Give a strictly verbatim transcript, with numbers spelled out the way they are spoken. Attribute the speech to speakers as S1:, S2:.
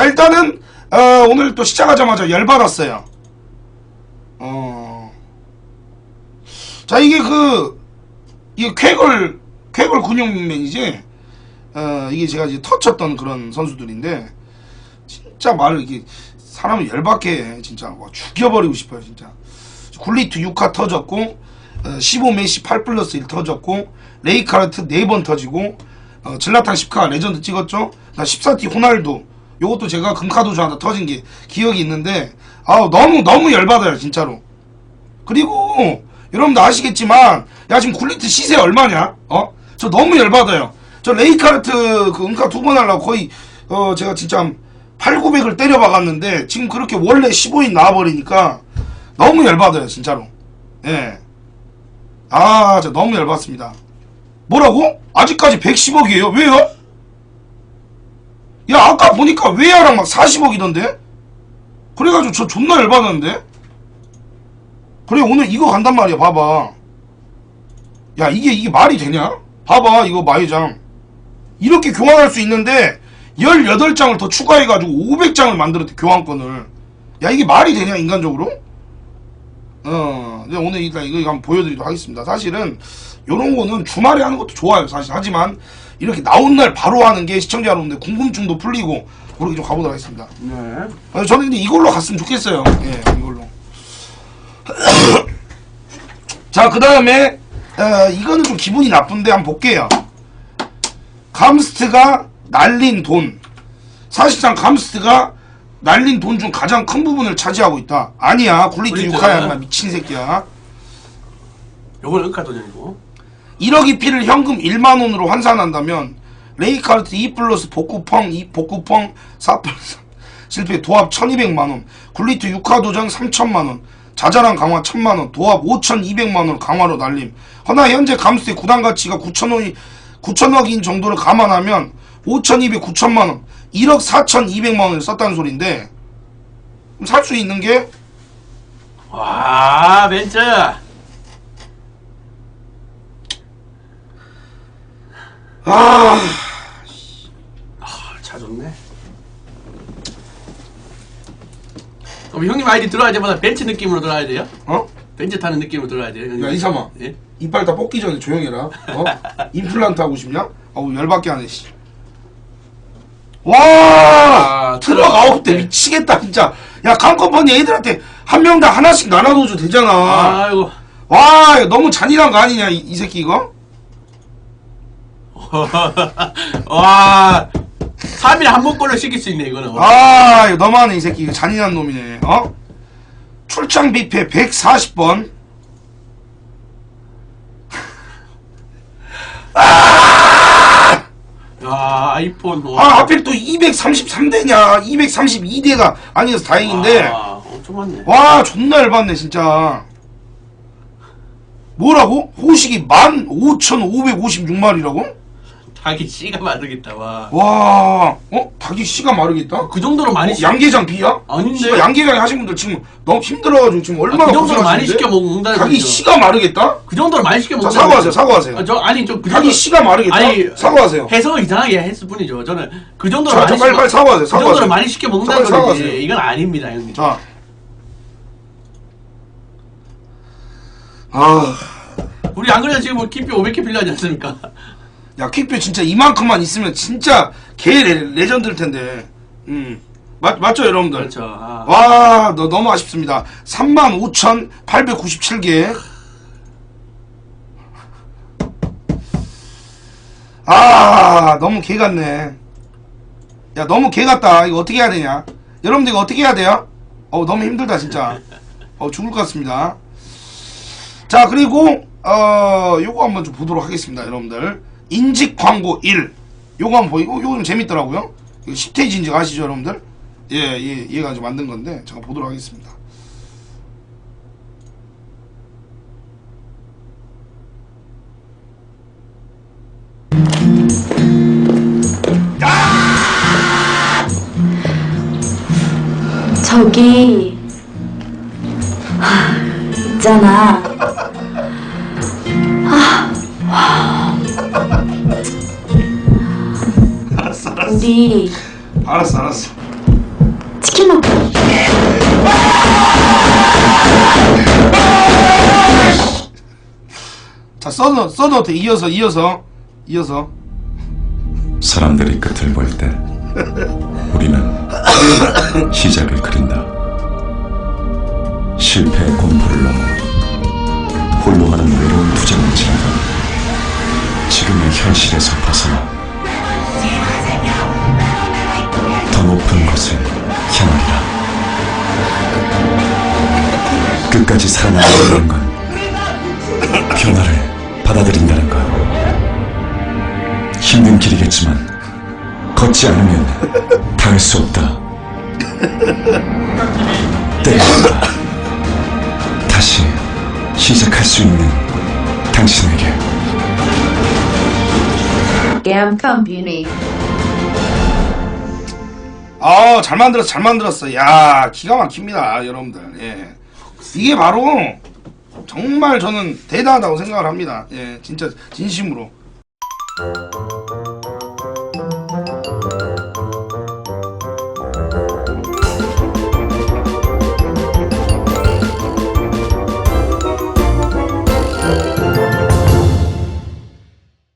S1: 자, 일단은 어, 오늘 또 시작하자마자 열받았어요. 어. 자, 이게 그 이게 쾌걸 쾌걸 근육맨이지. 어, 이게 제가 이제 터쳤던 그런 선수들인데 진짜 말을 이게 사람을 열받게 해. 진짜 와, 죽여버리고 싶어요. 진짜. 굴리트 육 화 터졌고 어, 십오 메시 팔 플러스 일 터졌고 레이카르트 네 번 터지고 어, 질라탄 십 카 레전드 찍었죠. 나 십사 티 호날두 요것도 제가 금카도주 하나 터진 게 기억이 있는데 아우 너무 너무 열받아요 진짜로. 그리고 여러분들 아시겠지만 야 지금 굴리트 시세 얼마냐? 어? 저 너무 열받아요. 저 레이카르트 그 은카 두 번 하려고 거의 어 제가 진짜 팔구백을 때려 박았는데 지금 그렇게 원래 십오인 나와버리니까 너무 열받아요 진짜로. 예. 아 진짜 너무 열받습니다. 뭐라고? 아직까지 백십억이에요. 왜요? 야 아까 보니까 외야랑 막 사십억이던데? 그래가지고 저 존나 열받았는데? 그래 오늘 이거 간단 말이야. 봐봐. 야 이게 이게 말이 되냐? 봐봐 이거 마이장 이렇게 교환할 수 있는데 열여덟 장을 더 추가해가지고 오백 장을 만들었대 교환권을. 야 이게 말이 되냐 인간적으로? 어 오늘 일단 이거 한번 보여드리도록 하겠습니다. 사실은 요런 거는 주말에 하는 것도 좋아요 사실. 하지만 이렇게 나온 날 바로 하는 게 시청자 여러분들 궁금증도 풀리고 그렇게 좀 가보도록 하겠습니다.
S2: 네.
S1: 어, 저는 근데 이걸로 갔으면 좋겠어요. 예 이걸로. 자 그 다음에 어, 이거는 좀 기분이 나쁜데 한번 볼게요. 감스트가 날린 돈. 사실상 감스트가 날린 돈 중 가장 큰 부분을 차지하고 있다. 아니야 굴리트 육 화야 미친 새끼야.
S2: 요건 은카 도전이고
S1: 일억 이피를 현금 일만 원으로 환산한다면 레이카르트 이 플러스 복구펑 이 복구펑 사 플러스 실패 도합 천이백만 원, 굴리트 육 화 도전 삼천만 원, 자잘한 강화 천만 원, 도합 오천이백만 원 강화로 날림. 허나 현재 감스트의 구단 가치가 구천억이 구천억인 정도를 감안하면 오천이백, 구천만 원, 일억 사천이백만 원을 썼다는 소린데 살 수 있는 게
S2: 와 벤츠
S1: 아,
S2: 차 좋네. 그럼 형님 아이디 들어갈 때마다 벤츠 느낌으로 들어가야 돼요?
S1: 어?
S2: 벤츠 타는 느낌으로 들어가야 돼요? 형님?
S1: 야 이삼아
S2: 예?
S1: 이빨 다 뽑기 전에 조용히 해라. 어? 임플란트 하고 싶냐? 어우 열받게 하네 씨. 와
S2: 아,
S1: 트럭 아홉 대 미치겠다 진짜. 야 강컴퍼니 애들한테 한 명당 하나씩 나눠줘도 되잖아.
S2: 아이고
S1: 와 이거 너무 잔인한 거 아니냐 이, 이 새끼 이거?
S2: 와 삼 일에 한 번꼴로 시킬 수 있네 이거는.
S1: 아 이거 너무하네 이 새끼. 이거 잔인한 놈이네. 어? 출장 뷔페 백사십 번. 아!
S2: 야 아이폰 와.
S1: 아 하필 또 이백삼십삼 대냐 이백삼십이 대가 아니어서 다행인데
S2: 와 엄청 많네.
S1: 와 존나 열받네 진짜. 뭐라고? 호식이 만 오천오백오십육 마리라고?
S2: 닭이 씨가 마르겠다 와.
S1: 와 어? 닭이 씨가 마르겠다?
S2: 그 정도로 많이
S1: 어,
S2: 시...
S1: 양계장 비야?
S2: 아닌데?
S1: 씨발, 양계장 하신 분들 지금 너무 힘들어가지고 지금
S2: 아,
S1: 얼마나
S2: 그 정도로 많이
S1: 고생하시는데?
S2: 시켜 먹는다는
S1: 닭이
S2: 거죠.
S1: 씨가 마르겠다?
S2: 그 정도로 많이 시켜
S1: 자
S2: 먹는다는
S1: 사과하세요
S2: 거죠.
S1: 사과하세요.
S2: 아, 저 아니 좀그
S1: 닭이 씨가 마르겠다?
S2: 아니
S1: 사과하세요.
S2: 해석을 이상하게 했을 뿐이죠. 저는 그 정도로
S1: 자,
S2: 많이
S1: 자, 빨리,
S2: 시켜-
S1: 빨리 사과하세요.
S2: 그
S1: 사과하세요.
S2: 정도로 많이 시켜 먹는다는
S1: 빨리
S2: 거지.
S1: 사과하세요.
S2: 이건 아닙니다, 형님.
S1: 자. 아.
S2: 우리 안 그래도 지금 뭐 킥표 오백 개 필요하지 않습니까?
S1: 야 퀵뷰 진짜 이만큼만 있으면 진짜 개 레, 레전드일 텐데. 음. 맞, 맞죠 여러분들?
S2: 그렇죠. 아.
S1: 와, 너, 너무 아쉽습니다. 삼만 오천팔백구십칠 개. 아, 너무 개 같네. 야, 너무 개 같다. 이거 어떻게 해야 되냐? 여러분들 이거 어떻게 해야 돼요? 어우, 너무 힘들다, 진짜. 어, 죽을 것 같습니다. 자, 그리고, 어, 요거 한번 좀 보도록 하겠습니다, 여러분들. 인직 광고 일. 요거 한번 보이고, 요거 좀 재밌더라고요. 이거 십 페이지 인직 아시죠, 여러분들? 예, 예, 얘가 이제 만든 건데, 잠깐 보도록 하겠습니다.
S3: 저기 하, 있잖아. 아,
S1: 알았어, 알았어.
S3: 우리
S1: 알았어, 알았어.
S3: 신호.
S1: 자, 써도 써도 돼. 이어서 이어서 이어서.
S4: 사람들이 끝을 볼 때 우리는 시작을 그린다. 실패의 공포를 넘어 홀로 하는 외로운 투쟁을 지나가 지금의 현실에서 벗어나 더 높은 것을 향하리라. 끝까지 살아남는다는 건 변화를 받아들인다는 것. 힘든 길이겠지만 걷지 않으면 닿을 수 없다. 때가 온다. 다시 시작할 수 있는 당신에게.
S5: Gam Company.
S1: 아, 잘 만들었어, 잘 만들었어. 야, 기가 막힙니다, 여러분들. 예, 이게 바로 정말 저는 대단하다고 생각을 합니다. 예, 진짜 진심으로.